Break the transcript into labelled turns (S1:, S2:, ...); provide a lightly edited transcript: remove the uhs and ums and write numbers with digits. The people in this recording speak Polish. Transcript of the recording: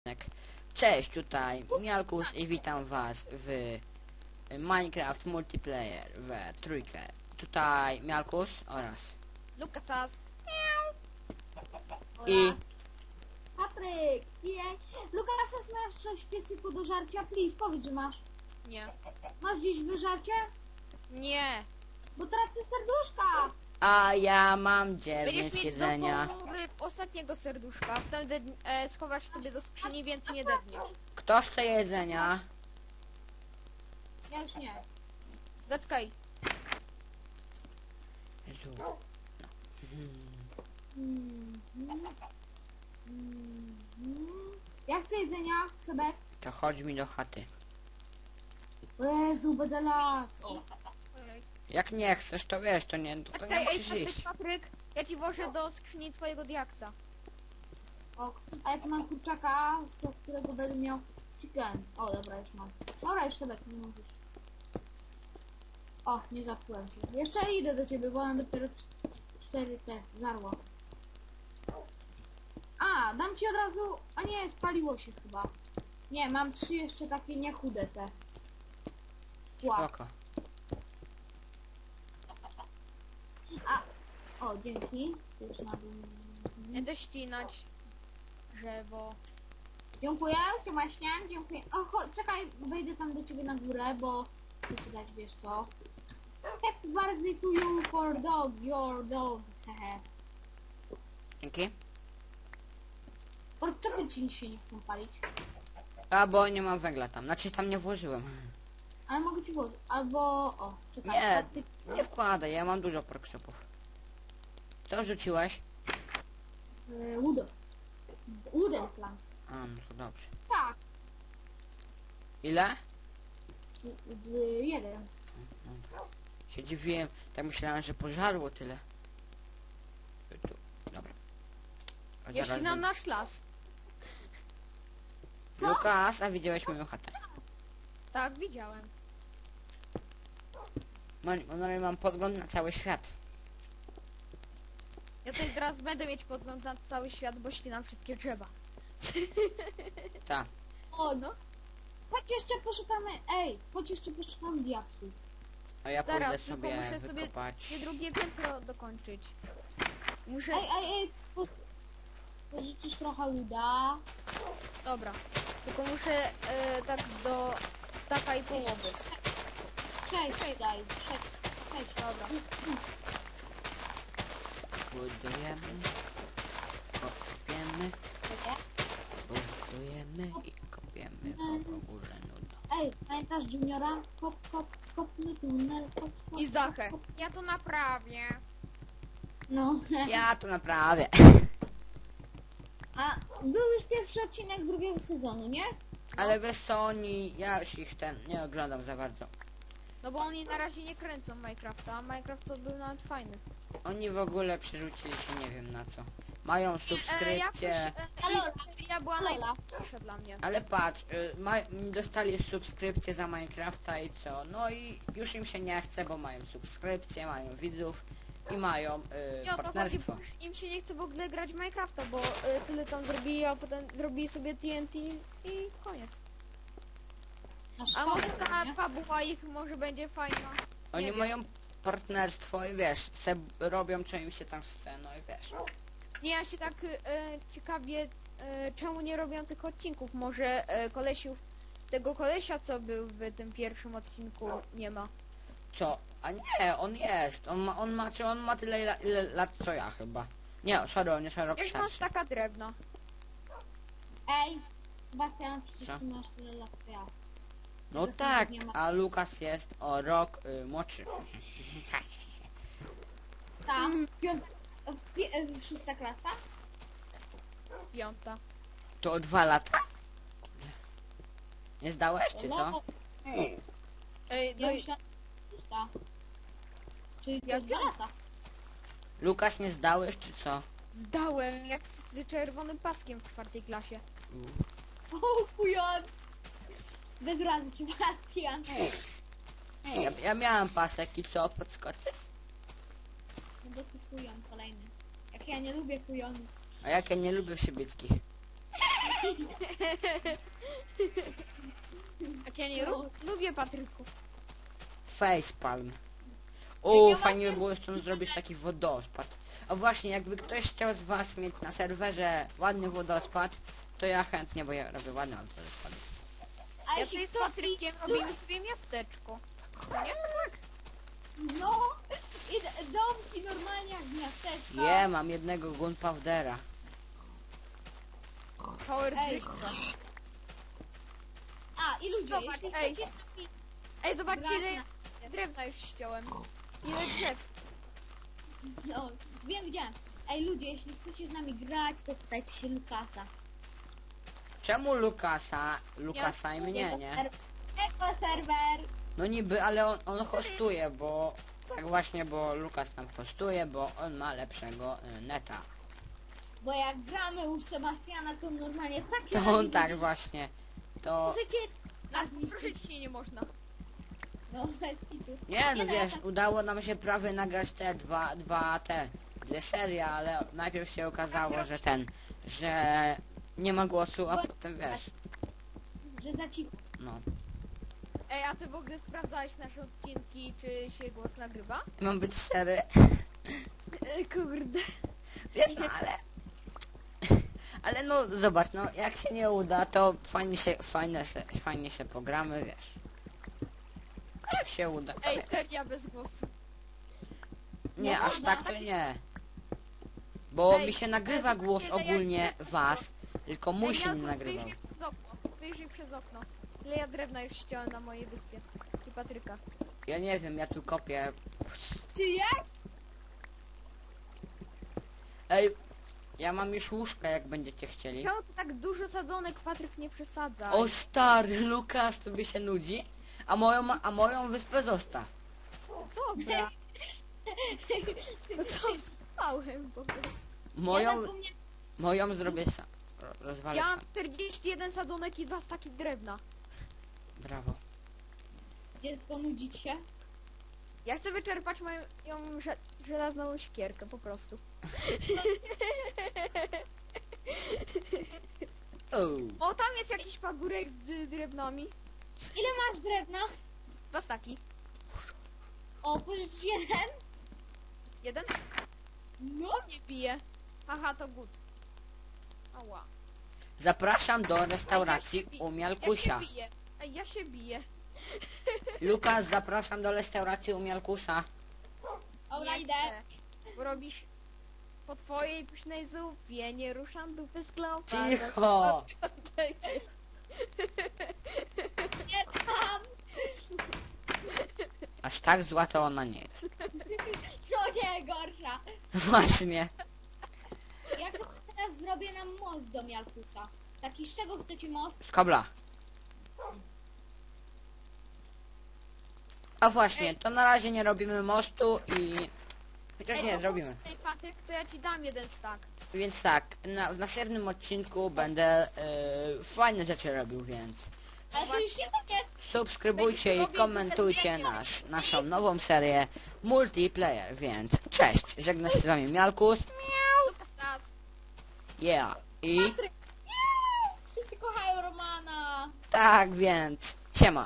S1: Cześć, tutaj Mialkus i witam was w Minecraft Multiplayer w trójkę. Tutaj Mialkus oraz
S2: Lukasas.
S1: i
S3: Patryk! Jej! Lukasas, masz coś w piecyku do żarcia? Please, powiedz, że masz.
S2: Nie.
S3: Masz gdzieś wyżarcie?
S2: Nie.
S3: Bo tracę serduszka!
S1: a ja mam
S2: Będziesz
S1: 9
S2: mieć
S1: jedzenia.
S2: do połowy ostatniego serduszka. Potem schowasz sobie do skrzyni, więc nie dedniesz.
S1: Kto chce jedzenia?
S3: Ja już nie.
S2: Zaczekaj.
S1: Jezu.
S3: Ja chcę jedzenia, Sebek.
S1: To chodź mi do chaty.
S3: O Jezu, będę las.
S2: Ojej.
S1: Jak nie chcesz, to wiesz, to nie
S2: Zaczekaj, ej,
S1: musisz iść.
S2: Patryk, ja ci włożę do skrzyni twojego diaksa.
S3: Ok. A ja tu mam kurczaka, z którego będę miał chicken. O, dobra, już mam. Dobra, już Sebek, nie mówisz. O, nie zapłułem cię. Jeszcze idę do ciebie, bo mam dopiero 4 te żarła. A, dam ci od razu... A nie, spaliło się chyba. Nie, mam 3 jeszcze takie niechude te. Szkła.
S1: Spoko.
S3: A, o, dzięki. Już na dół.
S2: Będę ścinać drzewo.
S3: Dziękuję, właśnie, dziękuję. O, czekaj, wejdę tam do ciebie na górę, bo chcę ci dać, wiesz co. Happy birthday to you for dog, your dog. Hehe.
S1: Dzięki.
S3: Kurczaky ci się nie chcą palić.
S1: A bo nie mam węgla tam, znaczy tam nie włożyłem.
S3: Ale mogę ci włożyć. Albo, o, czekaj.
S1: Nie,
S3: a ty...
S1: nie wkładaj, ja mam dużo porkshopów. To rzuciłeś?
S3: Wooden plank.
S1: A, no to dobrze.
S3: Tak,
S1: Ile?
S3: 1.
S1: Się dziwiłem, tak myślałem, że pożarło tyle. Tu, dobra. A
S2: Ja
S1: zaraz
S2: ścinam
S1: będę-
S2: nasz las.
S3: Co?
S1: Lukas, a widziałeś moją chatę?
S2: Tak, widziałem.
S1: Mam podgląd na cały świat.
S2: Ja tutaj teraz będę mieć podgląd na cały świat, bo ścinam wszystkie drzewa.
S1: Tak.
S3: O, no. Chodź jeszcze poszukamy, chodź jeszcze poszukamy diaksów.
S1: A ja
S2: Zaraz,
S1: pójdę
S2: tylko
S1: sobie
S2: muszę sobie
S1: wykopać.
S2: drugie piętro dokończyć. Muszę...
S3: Pożyczysz trochę uda.
S2: Dobra. Tylko muszę tak do staka i połowy.
S3: 6 daj, 6.
S2: Dobra.
S1: Budujemy. Kopiemy. Budujemy i kopiemy po górze nudą.
S3: Pamiętasz Juniora? Kopny tunel, kop.
S2: I Zachę. Ja to naprawię.
S3: No.
S1: Ja to naprawię.
S3: A był już pierwszy odcinek drugiego sezonu, nie?
S1: Ale wiesz co, ja już ich nie oglądam za bardzo.
S2: No bo oni na razie nie kręcą Minecrafta, a Minecraft to był nawet fajny.
S1: Oni w ogóle przerzucili się nie wiem na co. Mają subskrypcję.
S2: Ja była najlepsza dla mnie.
S1: Ale patrz, dostali subskrypcję za Minecrafta i co? No i już im się nie chce, bo mają subskrypcję, mają widzów i mają
S2: Nie o to chodzi,
S1: partnerstwo.
S2: im się nie chce w ogóle grać w Minecrafta, bo tyle tam zrobili, a potem zrobili sobie TNT i koniec. A może ta fabuła ich może będzie fajna.
S1: Oni
S2: wiem.
S1: mają partnerstwo i wiesz, robią co im się tam chce, no i wiesz.
S2: Nie, ja się tak ciekawie, czemu nie robią tych odcinków. Może tego kolesia, co był w tym pierwszym odcinku, nie ma.
S1: Co? A nie, on jest. On ma tyle ile lat co ja chyba. Nie, sorry, on jest o rok
S2: Wiesz, masz
S1: starszy.
S2: taka drewno.
S3: Sebastian, przecież
S1: Co?
S3: ty masz tyle lat co ja.
S1: No
S3: Tego
S1: tak,
S3: nie ma.
S1: a Lukas jest o rok młodszy.
S3: Tak, 6 klasa?
S2: 5.
S1: To o 2 lata? Nie zdałeś, czy co?
S3: No,
S2: Ej, no
S3: ja
S2: i
S3: myślałam, że 6. Czyli
S2: Ja
S3: to 2 lata.
S1: Lukas, nie zdałeś, czy co?
S2: zdałem jak z czerwonym paskiem w 4. klasie.
S3: O, kujon! Bez razy, Sebastian.
S1: Ja miałem pasek i co, podskoczysz?
S3: No to ty kujon kolejny. Jak ja nie lubię kujonów.
S1: A jak ja nie lubię przybyckich.
S2: Jak ja nie lubię Patryków.
S1: Facepalm.
S3: Ja
S1: Fajnie by
S3: mam-
S1: było stąd zrobić taki wodospad. A właśnie, jakby ktoś chciał z was mieć na serwerze ładny wodospad, to ja chętnie, bo ja robię ładny wodospad.
S3: A
S2: Ja
S3: jeśli
S2: tutaj z
S3: ktoś...
S2: Patrykiem robimy sobie miasteczko. Co nie?
S3: No, i domki normalnie jak miasteczko.
S1: Mam jednego gunpowdera.
S2: Power
S3: Ej.
S2: Drifta.
S3: A, i ludzie,
S2: Zobacz,
S3: jeśli
S2: ej.
S3: chcecie...
S2: Ej, zobaczcie
S3: grać
S2: ile
S3: na-
S2: drewna już ściąłem. Ile drzew.
S3: No, wiem, widziałem. Ej, ludzie, jeśli chcecie z nami grać, to pytajcie się Lukasa.
S1: Czemu Lukasa i mnie, nie?
S3: Eko serwer.
S1: No niby, ale on hostuje, bo... Tak właśnie, bo Lukas tam hostuje, bo on ma lepszego neta.
S3: Bo jak gramy u Sebastiana, to normalnie takie...
S1: To on tak właśnie. To...
S3: Możecie...
S2: Tak, ruszyć się nie można.
S3: No, bez kitu.
S1: Nie, no
S3: ja
S1: wiesz,
S3: tak-
S1: udało nam się prawie nagrać te dwie serie, ale najpierw się okazało, że nie ma głosu, a potem wiesz,
S3: Że za cicho.
S1: no.
S2: Ej, a ty w ogóle sprawdzałeś nasze odcinki, czy się głos nagrywa?
S1: Mam być szczery,
S2: Kurde.
S1: wiesz, no ale... Ale no, zobacz, no, jak się nie uda, to fajnie się pogramy, wiesz. A jak się uda, to
S2: Ej,
S1: wiesz.
S2: seria bez głosu.
S1: Nie,
S3: nie
S1: aż
S3: można.
S1: tak to nie. Bo
S2: Ej,
S1: mi się nagrywa
S2: ale
S1: głos
S2: zobaczcie, ile
S1: ogólnie
S2: ja-
S1: was, tylko mój się nie nagrywał.
S2: Wyjrzyj przez okno. Wyjrzyj przez okno. Ile ja drewna już ściąłem na mojej wyspie. I Patryka.
S1: Ja nie wiem, ja tu kopię.
S3: Czy jak?
S1: Ej, ja mam już łóżka, jak będziecie chcieli.
S2: Czemu ty tak dużo sadzonek, Patryk, nie przesadza?
S1: O stary, Lukas, tobie się nudzi? A moją wyspę zostaw.
S2: Dobra. No to spałem po prostu.
S3: Ja
S1: Moją,
S3: zapomniałem...
S1: moją zrobię sam. Rozwalę
S2: Ja
S1: sam.
S2: mam 41 sadzonek i 2 staki drewna.
S1: Brawo.
S3: Dziecko, nudzić się?
S2: Ja chcę wyczerpać moją żelazną siekierkę po prostu. O, tam jest jakiś pagórek z drewnami.
S3: Ile masz drewna?
S2: 2 staki.
S3: O, pożycz jeden?
S2: Jeden?
S3: No.
S2: O mnie bije. Aha, to good. Ała.
S1: Zapraszam do restauracji u
S2: Ja się
S1: Mialkusia.
S2: biję. Ej, ja się biję.
S1: Lukas, zapraszam do restauracji u Mialkusa.
S3: Dobra,
S2: Nie
S3: idę.
S2: chcę, Bo robisz po twojej pysznej zupie, nie ruszam dupy z klopa.
S1: Cicho!
S3: Nie tam.
S1: Aż tak zła to ona nie jest.
S3: To nie gorsza.
S1: Właśnie.
S3: Ja to teraz zrobię nam most do Mialkusa. Taki, z czego chcecie most?
S1: Z kobla. A właśnie, to na razie nie robimy mostu i... Chociaż nie, zrobimy.
S2: Ej, Patryk, to ja ci dam jeden stak.
S1: Więc tak, w następnym odcinku będę fajne rzeczy robił, więc
S3: Ale to już nie koniec.
S1: subskrybujcie i komentujcie naszą nową serię multiplayer, więc cześć, żegna się z wami Mialkus,
S2: Lukas,
S1: yeah, i
S3: Wszyscy kochają Romana.
S1: tak, więc siema.